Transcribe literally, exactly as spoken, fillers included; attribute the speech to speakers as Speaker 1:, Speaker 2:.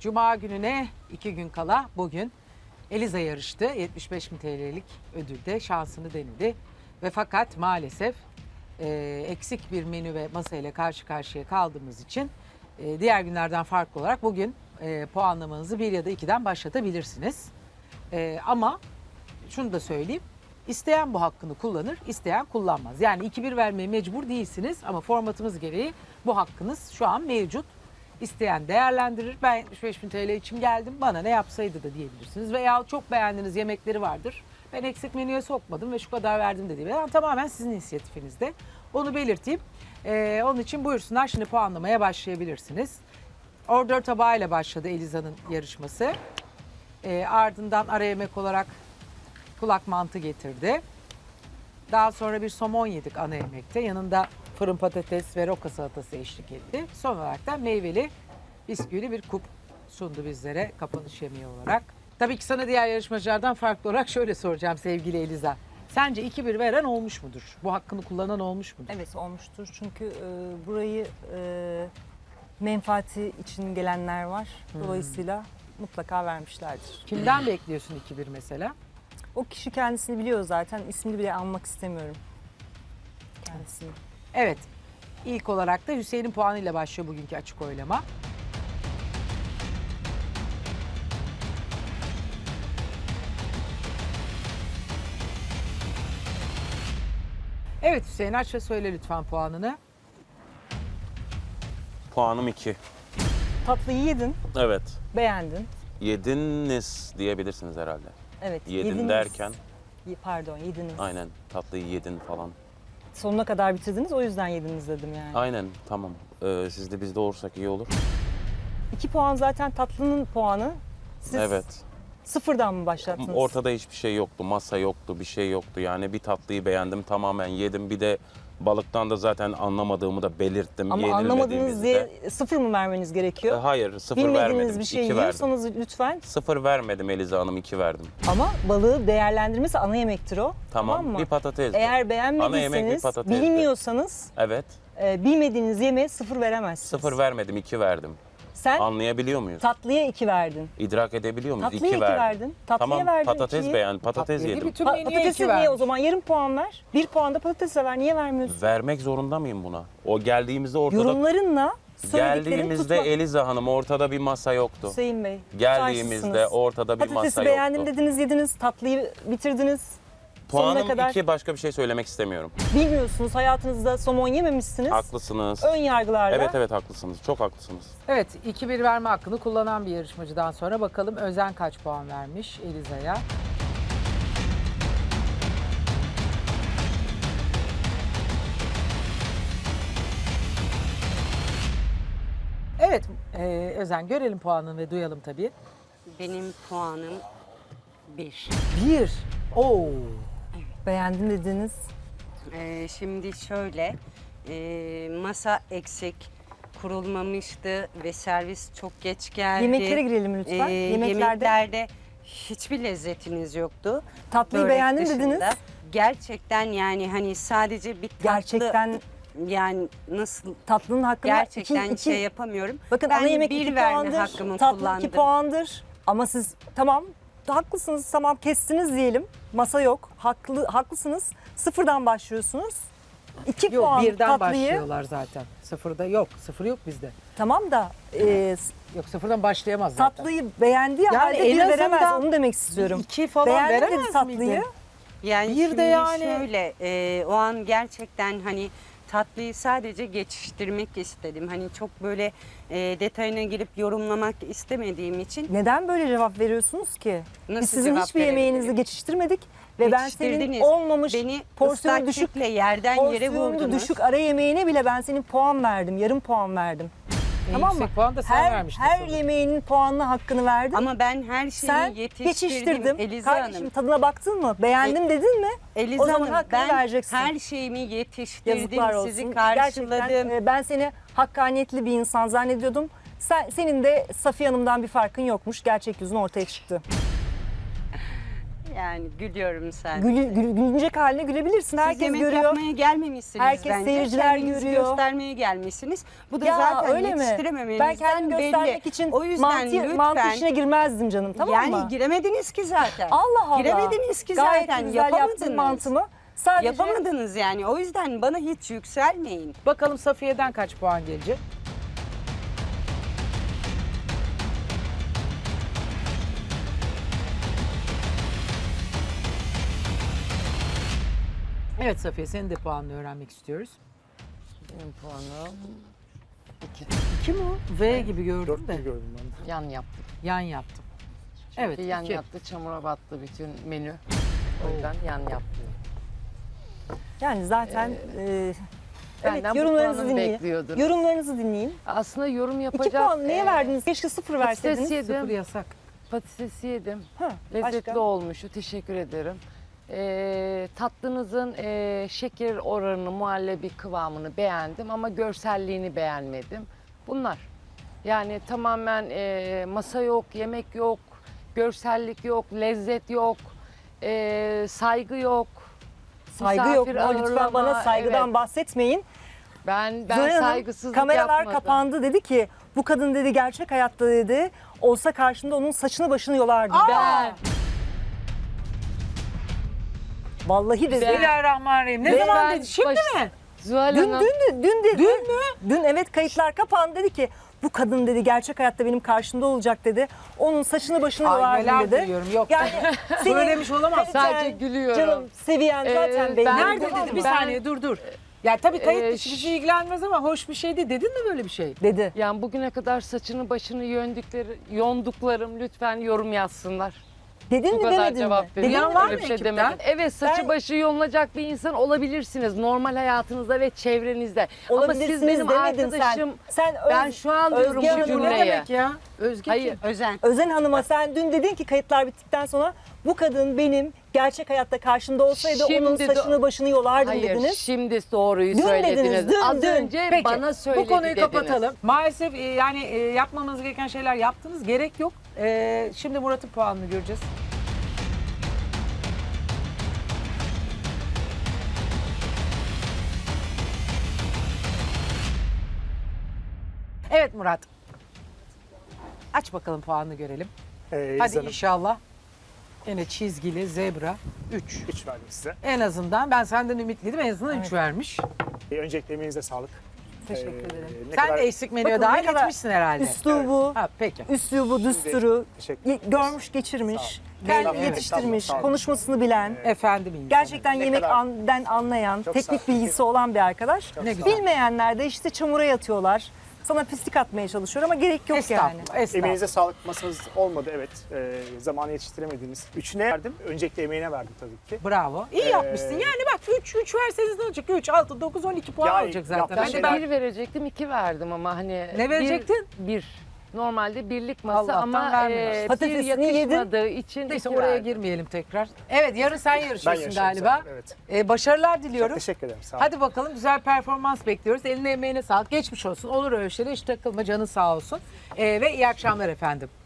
Speaker 1: Cuma gününe iki gün kala bugün Eliza yarıştı. yetmiş beş bin T L'lik ödülde şansını denedi. Ve fakat maalesef e, eksik bir menü ve masayla karşı karşıya kaldığımız için e, diğer günlerden farklı olarak bugün e, puanlamanızı bir ya da ikiden başlatabilirsiniz. E, ama şunu da söyleyeyim. İsteyen bu hakkını kullanır, isteyen kullanmaz. Yani iki bir vermeye mecbur değilsiniz ama formatımız gereği bu hakkınız şu an mevcut. İsteyen değerlendirir. Ben yetmiş beş bin T L için geldim, bana ne yapsaydı da diyebilirsiniz. Veya çok beğendiğiniz yemekleri vardır. Ben eksik menüye sokmadım ve şu kadar verdim de diyebilirim. Yani tamamen sizin inisiyatifinizde. Onu belirteyim. Ee, onun için buyursunlar, şimdi puanlamaya başlayabilirsiniz. Ordör tabağıyla başladı Eliza'nın yarışması. Ee, ardından ara yemek olarak kulak mantı getirdi. Daha sonra bir somon yedik ana yemekte. Yanında fırın patates ve roka salatası eşlik etti. Son olarak da meyveli bisküvili bir kup sundu bizlere kapanış yemeği olarak. Tabii ki sana diğer yarışmacılardan farklı olarak şöyle soracağım sevgili Eliza. Sence iki bir veren olmuş mudur? Bu hakkını kullanan olmuş mudur?
Speaker 2: Evet, olmuştur. Çünkü e, burayı e, menfaati için gelenler var. Dolayısıyla mutlaka vermişlerdir.
Speaker 1: Kimden bekliyorsun iki bir mesela?
Speaker 2: O kişi kendisini biliyor zaten. İsmini bile anmak istemiyorum. Kendisini.
Speaker 1: Evet. İlk olarak da Hüseyin'in puanıyla başlıyor bugünkü açık oylama. Evet Hüseyin, aç ve söyle lütfen puanını.
Speaker 3: Puanım iki.
Speaker 2: Tatlıyı yedin,
Speaker 3: Evet.
Speaker 2: beğendin.
Speaker 3: Yediniz diyebilirsiniz herhalde.
Speaker 2: Evet.
Speaker 3: Yedin
Speaker 2: yediniz.
Speaker 3: derken
Speaker 2: Y- Pardon, yediniz.
Speaker 3: aynen tatlıyı yedin falan.
Speaker 2: Sonuna kadar bitirdiniz, o yüzden yediniz dedim yani.
Speaker 3: Aynen tamam. Ee, siz de biz de olursak iyi olur.
Speaker 2: İki puan zaten tatlının puanı. Siz
Speaker 3: Evet.
Speaker 2: sıfırdan mı başlattınız?
Speaker 3: Ortada hiçbir şey yoktu. Masa yoktu, bir şey yoktu. Yani bir tatlıyı beğendim, tamamen yedim. Bir de balıktan da zaten anlamadığımı da belirttim.
Speaker 2: Ama anlamadığınız diye sıfır mı vermeniz
Speaker 3: Ee,
Speaker 2: gerekiyor?
Speaker 3: hayır, sıfır
Speaker 2: Bilmediğiniz
Speaker 3: vermedim.
Speaker 2: bir şey
Speaker 3: iki verdim.
Speaker 2: yiyorsanız lütfen.
Speaker 3: Sıfır vermedim Eliza Hanım, iki verdim.
Speaker 2: Ama balığı değerlendirmesi ana yemektir o.
Speaker 3: Tamam,
Speaker 2: mı?
Speaker 3: bir patates.
Speaker 2: Eğer
Speaker 3: Ana yemek bir
Speaker 2: beğenmediyseniz,
Speaker 3: patatesdi.
Speaker 2: bilmiyorsanız
Speaker 3: Evet,
Speaker 2: e, bilmediğiniz yemeğe sıfır veremezsiniz.
Speaker 3: sıfır vermedim, iki verdim.
Speaker 2: Sen
Speaker 3: Anlayabiliyor muyuz?
Speaker 2: tatlıya iki verdin.
Speaker 3: İdrak edebiliyor muyuz?
Speaker 2: Tatlıya iki
Speaker 3: verdim.
Speaker 2: verdin. Tatlıya
Speaker 3: Tamam,
Speaker 2: verdin
Speaker 3: patates
Speaker 2: ikiyi.
Speaker 3: beğen, patates
Speaker 1: Tatlıyı
Speaker 3: yedim.
Speaker 1: bütün
Speaker 2: Pa-
Speaker 1: menüye
Speaker 2: patatesi
Speaker 1: iki
Speaker 2: niye
Speaker 1: vermiş.
Speaker 2: o zaman? Yarım puan ver. Bir puan da patatese ver. Niye vermiyorsun?
Speaker 3: Vermek zorunda mıyım buna? O geldiğimizde ortada...
Speaker 2: Yorumlarınla söylediklerin
Speaker 3: Geldiğimizde
Speaker 2: tutma.
Speaker 3: Eliza Hanım ortada bir masa yoktu.
Speaker 2: Hüseyin Bey.
Speaker 3: Geldiğimizde
Speaker 2: tutarsızsınız.
Speaker 3: ortada bir
Speaker 2: Patatesi
Speaker 3: masa
Speaker 2: beğendim
Speaker 3: yoktu.
Speaker 2: dediniz, yediniz. Tatlıyı bitirdiniz. Sonuna
Speaker 3: Puanım
Speaker 2: kadar
Speaker 3: iki, başka bir şey söylemek istemiyorum.
Speaker 2: bilmiyorsunuz. Hayatınızda somon yememişsiniz.
Speaker 3: Haklısınız.
Speaker 2: Ön yargılarla.
Speaker 3: Evet evet haklısınız. Çok haklısınız.
Speaker 1: Evet, iki bir verme hakkını kullanan bir yarışmacıdan sonra bakalım Özen kaç puan vermiş Eliza'ya. Evet, e, Özen görelim puanını ve duyalım tabii.
Speaker 4: Benim puanım bir.
Speaker 1: Bir. Oo.
Speaker 2: Beğendim dediniz.
Speaker 4: Ee, şimdi şöyle, e, masa eksik, kurulmamıştı ve servis çok geç geldi.
Speaker 2: Yemeklere girelim lütfen.
Speaker 4: Ee,
Speaker 2: Yemeklerde
Speaker 4: yemeklerde hiçbir lezzetiniz yoktu.
Speaker 2: tatlıyı
Speaker 4: Börek
Speaker 2: beğendim
Speaker 4: dışında.
Speaker 2: dediniz.
Speaker 4: Gerçekten yani hani sadece bir tatlı,
Speaker 2: Gerçekten
Speaker 4: yani nasıl
Speaker 2: tatlının hakkını
Speaker 4: gerçekten
Speaker 2: iki, iki,
Speaker 4: şey yapamıyorum.
Speaker 2: bakın
Speaker 4: ben
Speaker 2: ana yemek
Speaker 4: bir
Speaker 2: iki
Speaker 4: verme
Speaker 2: puandır,
Speaker 4: hakkımı
Speaker 2: tatlı
Speaker 4: kullandım.
Speaker 2: iki puandır. Ama siz tamam haklısınız, tamam kestiniz diyelim. Masa yok. Haklı haklısınız. Sıfırdan başlıyorsunuz. İki
Speaker 1: Yok,
Speaker 2: puan
Speaker 1: birden
Speaker 2: tatlıyı.
Speaker 1: başlıyorlar zaten. Sıfırda yok, sıfır yok bizde.
Speaker 2: Tamam da e,
Speaker 1: Yok, sıfırdan başlayamaz zaten.
Speaker 2: tatlıyı beğendiği
Speaker 1: Yani
Speaker 2: halde
Speaker 1: en
Speaker 2: bir veremez.
Speaker 1: azından
Speaker 2: Onu demek istiyorum.
Speaker 1: İki falan
Speaker 2: Beğendim
Speaker 1: veremez
Speaker 2: dedi tatlıyı.
Speaker 1: miydin?
Speaker 4: Yani
Speaker 1: Bir de
Speaker 4: şimdi
Speaker 1: yani-
Speaker 4: şöyle e, o an gerçekten hani tatlıyı sadece geçiştirmek istedim. Hani çok böyle e, detayına girip yorumlamak istemediğim için
Speaker 2: Neden böyle cevap veriyorsunuz ki?
Speaker 4: Nasıl
Speaker 2: Biz sizin
Speaker 4: cevap
Speaker 2: hiçbir yemeğinizi
Speaker 4: verebilirim?
Speaker 2: geçiştirmedik ve ben senin
Speaker 4: Yetiştirdiniz.
Speaker 2: olmamış
Speaker 4: beni
Speaker 2: porsiyonu
Speaker 4: ıslak
Speaker 2: düşük
Speaker 4: kekle yerden yere
Speaker 2: porsiyonu
Speaker 4: vurdunuz.
Speaker 2: düşük ara yemeğine bile ben senin puan verdim. Yarım puan verdim.
Speaker 1: En
Speaker 2: Tamam mı?
Speaker 1: yüksek puan da sen
Speaker 2: her
Speaker 1: vermiştin
Speaker 2: her
Speaker 1: sanırım.
Speaker 2: yemeğinin puanına hakkını verdin.
Speaker 4: Ama ben her şeyi
Speaker 2: Sen
Speaker 4: yetiştirdim
Speaker 2: geçiştirdim.
Speaker 4: Eliza
Speaker 2: Kardeşim
Speaker 4: Hanım.
Speaker 2: tadına baktın mı? Beğendim dedin mi?
Speaker 4: Eliza
Speaker 2: o zaman
Speaker 4: Hanım
Speaker 2: hakkını
Speaker 4: ben
Speaker 2: vereceksin.
Speaker 4: her şeyimi yetiştirdim,
Speaker 2: Yazıklar olsun.
Speaker 4: sizi karşıladım.
Speaker 2: Gerçekten e, ben seni hakkaniyetli bir insan zannediyordum. Sen, senin de Safiye Hanım'dan bir farkın yokmuş. Gerçek yüzün ortaya çıktı.
Speaker 4: Yani gülüyorum sadece.
Speaker 2: Gülü, gül- gülünecek haline gülebilirsin.
Speaker 4: Siz
Speaker 2: Herkes
Speaker 4: yemek
Speaker 2: görüyor.
Speaker 4: yapmaya gelmemişsiniz
Speaker 2: Herkes,
Speaker 4: bence.
Speaker 2: seyirciler
Speaker 4: Kendinizi
Speaker 2: görüyor.
Speaker 4: göstermeye gelmişsiniz. Bu da
Speaker 2: Ya
Speaker 4: zaten
Speaker 2: öyle mi?
Speaker 4: yetiştirememenizden
Speaker 2: Ben kendimi göstermek
Speaker 4: belli.
Speaker 2: için
Speaker 4: O yüzden
Speaker 2: mantı,
Speaker 4: lütfen.
Speaker 2: mantı işine girmezdim canım, tamam
Speaker 4: yani
Speaker 2: mı?
Speaker 4: giremediniz ki zaten.
Speaker 2: Allah Allah.
Speaker 4: Giremediniz ki
Speaker 2: Gayet
Speaker 4: zaten.
Speaker 2: güzel yaptın
Speaker 4: Yapamadınız.
Speaker 2: mantımı. Sadece
Speaker 4: Yapamadınız yani. O yüzden bana hiç yükselmeyin.
Speaker 1: Bakalım Safiye'den kaç puan gelecek? Evet Safiye, senin de puanını öğrenmek istiyoruz.
Speaker 5: Benim puanım iki.
Speaker 1: İki mi o? V gibi gördüm
Speaker 6: Dört
Speaker 1: de.
Speaker 6: bir gördüm ben de.
Speaker 5: Yan yaptım.
Speaker 1: Yan yaptım. Evet,
Speaker 5: Bir yan
Speaker 1: iki.
Speaker 5: yattı, çamura battı bütün menü. O yüzden yan yaptım.
Speaker 2: yani zaten e, evet,
Speaker 5: Benden bu
Speaker 2: yorumlarınızı
Speaker 5: puanı
Speaker 2: dinleyin.
Speaker 5: bekliyordun.
Speaker 2: Yorumlarınızı dinleyin.
Speaker 5: Aslında yorum
Speaker 2: İki
Speaker 5: yapacak.
Speaker 2: puan neye
Speaker 5: e,
Speaker 2: verdiniz? Keşke sıfır verseydiniz.
Speaker 5: Patates
Speaker 1: Sıfır
Speaker 5: yedim.
Speaker 1: yasak.
Speaker 5: Patates yedim.
Speaker 2: Ha,
Speaker 5: Lezzetli
Speaker 2: başka?
Speaker 5: olmuştu. Teşekkür ederim. E, tatlınızın e, şeker oranını, muhallebi kıvamını beğendim ama görselliğini beğenmedim. Bunlar. Yani tamamen e, masa yok, yemek yok, görsellik yok, lezzet yok, e, saygı yok.
Speaker 2: Saygı yok
Speaker 5: misafir
Speaker 2: mu? Lütfen bana
Speaker 5: ağırlama,
Speaker 2: saygıdan
Speaker 5: evet.
Speaker 2: bahsetmeyin.
Speaker 5: Ben ben
Speaker 2: Zoran Hanım,
Speaker 5: saygısızlık
Speaker 2: kameralar
Speaker 5: yapmadım.
Speaker 2: kapandı, dedi ki bu kadın dedi gerçek hayatta dedi olsa karşında onun saçını başını yolardı.
Speaker 5: Ben
Speaker 2: Vallahi dedi.
Speaker 1: Bismillahirrahmanirrahim. Ne
Speaker 5: Ve
Speaker 1: zaman
Speaker 5: ben
Speaker 1: dedi? Şimdi
Speaker 5: baş-
Speaker 1: mi?
Speaker 5: Zuhal
Speaker 2: Dün,
Speaker 5: Hanım,
Speaker 2: dün, dün dedi.
Speaker 1: Dün mü?
Speaker 2: Dün evet, kayıtlar kapandı, dedi ki bu kadın dedi gerçek hayatta benim karşımda olacak dedi. Onun saçını başını
Speaker 1: Ay,
Speaker 2: yolardım
Speaker 1: neler
Speaker 2: dedi.
Speaker 1: duyuyorum, yok.
Speaker 2: Yani senin
Speaker 1: Söylemiş olamaz.
Speaker 2: kaliten,
Speaker 5: Sadece gülüyorum.
Speaker 2: Canım seviyen zaten
Speaker 5: Ee,
Speaker 2: belli.
Speaker 5: ben-
Speaker 1: Nerede
Speaker 2: Tamam
Speaker 1: dedi? Bir
Speaker 2: mı?
Speaker 5: Ben-
Speaker 1: saniye dur dur. Ya tabii kayıt
Speaker 5: Ee,
Speaker 1: dışı bir şey ilgilenmez ama hoş bir şeydi. Dedin mi böyle bir şey?
Speaker 2: Dedi.
Speaker 5: yani bugüne kadar saçını başını yöndükleri, yonduklarım lütfen yorum yazsınlar.
Speaker 2: Dedin
Speaker 5: Bu
Speaker 2: mi
Speaker 5: kadar
Speaker 2: demedin
Speaker 5: cevap
Speaker 2: mi?
Speaker 5: verin.
Speaker 1: Duyan
Speaker 2: Dedin
Speaker 1: var
Speaker 2: mi?
Speaker 5: Öyle
Speaker 1: mı
Speaker 5: bir şey
Speaker 1: ekipten?
Speaker 5: demedim. Evet, saçı
Speaker 2: Ben-
Speaker 5: başı yolunacak bir insan olabilirsiniz normal hayatınızda ve çevrenizde. Ama
Speaker 2: Olabilirsiniz
Speaker 5: siz benim
Speaker 2: demedin
Speaker 5: arkadaşım.
Speaker 2: sen. Sen
Speaker 5: Ben
Speaker 2: Öz-
Speaker 5: şu an diyorum
Speaker 2: Özge
Speaker 5: bu
Speaker 2: Hanım,
Speaker 1: Bu ne
Speaker 5: cümleyi.
Speaker 1: demek ya? Özge
Speaker 5: Hayır.
Speaker 1: kim?
Speaker 4: Özen.
Speaker 2: Özen Hanım'a sen dün dedin ki kayıtlar bittikten sonra bu kadın benim gerçek hayatta karşımda olsaydı
Speaker 5: Şimdi
Speaker 2: onun
Speaker 5: de-
Speaker 2: saçını başını yolardım
Speaker 5: Hayır,
Speaker 2: dediniz.
Speaker 5: şimdi doğruyu
Speaker 2: Dün
Speaker 5: söylediniz.
Speaker 2: dediniz, dün,
Speaker 5: Az
Speaker 2: dün.
Speaker 5: önce
Speaker 1: Peki
Speaker 5: bana söyledi
Speaker 1: bu konuyu
Speaker 5: dediniz.
Speaker 1: kapatalım. Maalesef e, yani e, yapmamanız gereken şeyler yaptınız. Gerek yok. E, şimdi Murat'ın puanını göreceğiz. Evet Murat. Aç bakalım puanını görelim.
Speaker 6: Ee,
Speaker 1: Hadi
Speaker 6: İzledim.
Speaker 1: inşallah. Yine çizgili zebra üç.
Speaker 6: Üç verdim size.
Speaker 1: En azından ben senden ümitliydim. En azından üç vermiş.
Speaker 6: Ee, öncelikle emeğinize sağlık.
Speaker 2: Teşekkür
Speaker 6: Ee,
Speaker 2: ederim.
Speaker 6: ne
Speaker 1: Sen
Speaker 6: kadar-
Speaker 1: de eksik menüye
Speaker 2: Bakın ne
Speaker 1: dahil
Speaker 2: kadar
Speaker 1: etmişsin herhalde.
Speaker 2: Üslubu,
Speaker 1: Ha, peki.
Speaker 2: üslubu, düsturu
Speaker 6: Teşekkür
Speaker 2: ye-
Speaker 6: ederiz.
Speaker 2: görmüş, geçirmiş,
Speaker 6: Sağ
Speaker 2: kendi
Speaker 6: Estağfurullah.
Speaker 2: yetiştirmiş,
Speaker 6: Sağ olun.
Speaker 2: konuşmasını bilen,
Speaker 1: Efendim insan.
Speaker 2: gerçekten
Speaker 6: Ne
Speaker 2: yemek
Speaker 6: kadar-
Speaker 2: an- anlayan,
Speaker 6: Çok
Speaker 2: teknik
Speaker 6: sağ olun.
Speaker 2: bilgisi olan bir arkadaş.
Speaker 1: Ne güzel.
Speaker 2: Bilmeyenler de işte çamura yatıyorlar. Sana pislik atmaya çalışıyor ama gerek yok yani.
Speaker 1: Estağfurullah. Estağfurullah.
Speaker 6: Emeğinize sağlık, masanız olmadı evet. Ee, zamanı yetiştiremediğiniz. Üçüne verdim. Öncelikle emeğine verdim tabii ki.
Speaker 1: Bravo. İyi
Speaker 6: Ee,
Speaker 1: yapmışsın. Yani bak üç üç verseniz ne olacak? üç, altı, dokuz, on iki puan
Speaker 6: Ya,
Speaker 1: olacak zaten.
Speaker 6: yaptığın
Speaker 5: Ben
Speaker 1: Hadi
Speaker 5: de
Speaker 6: şeyler-
Speaker 5: bir verecektim, iki verdim ama hani...
Speaker 1: Ne verecektin?
Speaker 5: Bir. bir. Normalde birlik masa
Speaker 1: Allah'tan
Speaker 5: ama
Speaker 1: vermiyorsun.
Speaker 5: e, bir
Speaker 2: Patatesini yedin.
Speaker 5: yakışmadığı için
Speaker 1: Neyse
Speaker 5: iki
Speaker 1: oraya
Speaker 5: verdim.
Speaker 1: girmeyelim tekrar. Evet yarın sen yarışıyorsun
Speaker 6: yarışıyorum
Speaker 1: galiba.
Speaker 6: zaten, evet.
Speaker 1: Ee, başarılar
Speaker 6: Çok
Speaker 1: diliyorum.
Speaker 6: teşekkür ederim. Sağ olun.
Speaker 1: Hadi bakalım güzel performans bekliyoruz. Eline emeğine sağlık. Geçmiş olsun. Olur öyle şeyler. Hiç takılma, canın sağ olsun. Ee, ve iyi akşamlar efendim.